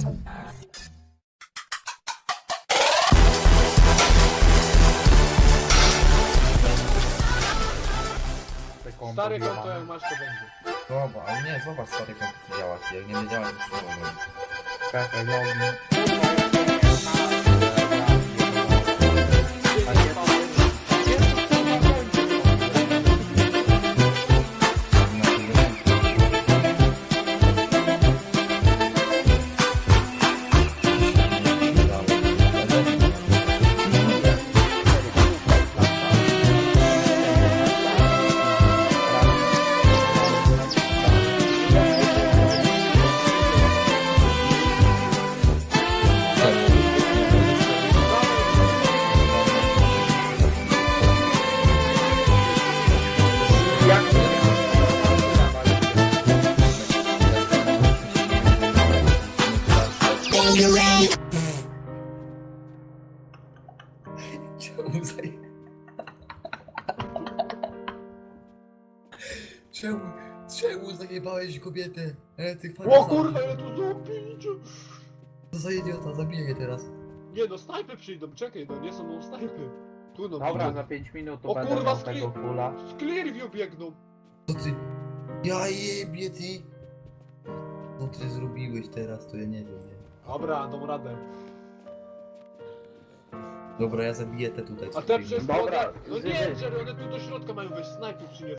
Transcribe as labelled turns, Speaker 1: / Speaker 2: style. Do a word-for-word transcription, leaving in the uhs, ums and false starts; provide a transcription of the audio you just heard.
Speaker 1: Stary konto jak masz to będzie.
Speaker 2: Dobra, ale nie, zobacz stary konto co działa, jak nie wiedziałem to co mogę.
Speaker 3: Czekaj, login.
Speaker 2: Czemu zaj... Czemu, czemu zajebałeś kobietę? E, ty
Speaker 1: O kurwa, ile tu zapięcia!
Speaker 2: Co za idiota, zabiję je teraz.
Speaker 1: Nie no, snajpy przyjdą, czekaj no, nie są no snajpy. Tu no,
Speaker 3: Dobra,
Speaker 1: widzę.
Speaker 3: za pięć minut
Speaker 1: O
Speaker 3: to będę
Speaker 1: kurwa,
Speaker 3: miał
Speaker 1: skli-
Speaker 3: tego kula.
Speaker 1: Z Clearview biegną.
Speaker 2: Co ty? Ja jebie ty! Co ty zrobiłeś teraz, to ja nie wiem, nie.
Speaker 1: Dobra, dam radę.
Speaker 2: Dobra, ja zabiję te tutaj. co
Speaker 1: A te
Speaker 2: tu
Speaker 1: przez
Speaker 3: Dobra,
Speaker 1: No nie,
Speaker 3: zy-
Speaker 1: Jerry, one tu do środka mają wejść, snajpy przyniosą.